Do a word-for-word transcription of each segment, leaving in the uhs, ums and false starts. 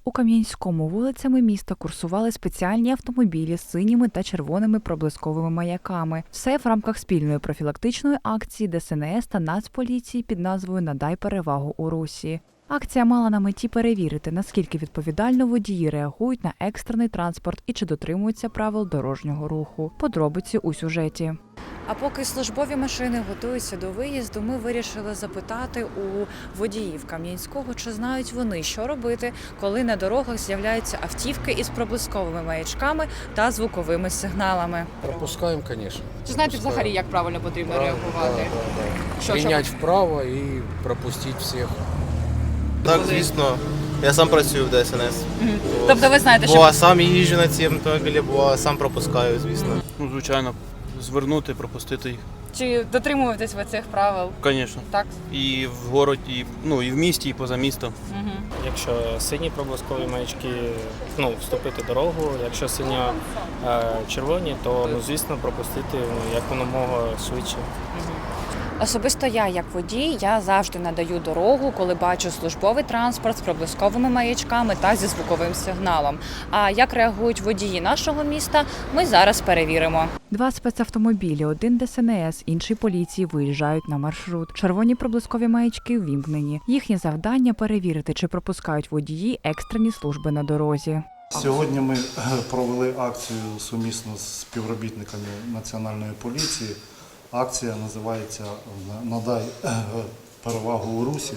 У Кам'янському вулицями міста курсували спеціальні автомобілі з синіми та червоними проблисковими маяками. Все в рамках спільної профілактичної акції Де Ес Ен Ес та Нацполіції під назвою «Надай перевагу у русі». Акція мала на меті перевірити, наскільки відповідально водії реагують на екстрений транспорт і чи дотримуються правил дорожнього руху. Подробиці у сюжеті. А поки службові машини готуються до виїзду, ми вирішили запитати у водіїв Кам'янського, чи знають вони, що робити, коли на дорогах з'являються автівки із проблисковими маячками та звуковими сигналами. Пропускаємо, звісно. Чи знаєте взагалі, як правильно потрібно Право, реагувати? Да, да, да. Що, Прийняти вправо і пропустити всіх. Так, звісно. Я сам працюю в Де Ес Ен Ес. Мгм. Тобто ви знаєте, що... Бо сам їжджу на ці автомобілі, бо сам пропускаю, звісно. Ну, звичайно, звернути, пропустити їх. Чи дотримуєтесь ви цих правил? Звісно. Так? І в городі, і, ну, і в місті, і поза містом. Угу. Якщо сині проблискові маячки, ну, вступити дорогу, якщо синьо е, червоні, то, ну, звісно, пропустити ну, якомога швидше. Особисто я, як водій, я завжди надаю дорогу, коли бачу службовий транспорт з проблисковими маячками та зі звуковим сигналом. А як реагують водії нашого міста, ми зараз перевіримо. Два спецавтомобілі, один Де Ес Ен Ес, інший поліції, виїжджають на маршрут. Червоні проблискові маячки ввімкнені. Їхнє завдання – перевірити, чи пропускають водії екстрені служби на дорозі. Сьогодні ми провели акцію сумісно з співробітниками Національної поліції. Акція називається «Надай перевагу у русі»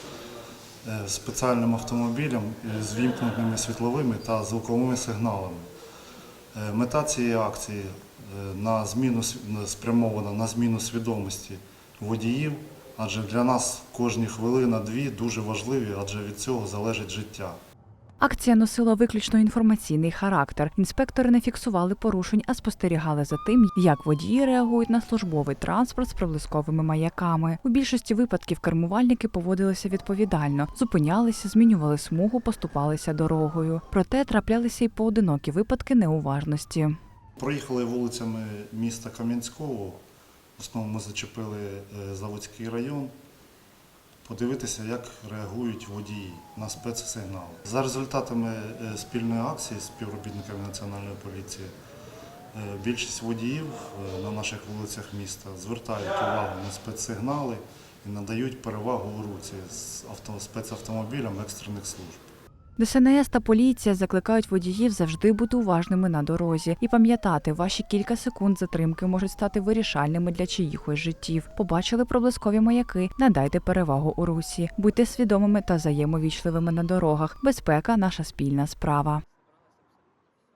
спеціальним автомобілем з вімкненими світловими та звуковими сигналами. Мета цієї акції на зміну, спрямована на зміну свідомості водіїв, адже для нас кожні хвилина-дві дуже важливі, адже від цього залежить життя. Акція носила виключно інформаційний характер. Інспектори не фіксували порушень, а спостерігали за тим, як водії реагують на службовий транспорт з проблисковими маяками. У більшості випадків кермувальники поводилися відповідально, зупинялися, змінювали смугу, поступалися дорогою. Проте траплялися й поодинокі випадки неуважності. Проїхали вулицями міста Кам'янського, в основному ми зачепили Заводський район. Подивитися, як реагують водії на спецсигнали. За результатами спільної акції з співробітниками Національної поліції, більшість водіїв на наших вулицях міста звертають увагу на спецсигнали і надають перевагу у русі з спецавтомобілям екстрених служб. Де Ес Ен Ес та поліція закликають водіїв завжди бути уважними на дорозі і пам'ятати, ваші кілька секунд затримки можуть стати вирішальними для чиїхось життів. Побачили проблискові маяки – надайте перевагу у русі. Будьте свідомими та взаємовічливими на дорогах. Безпека – наша спільна справа.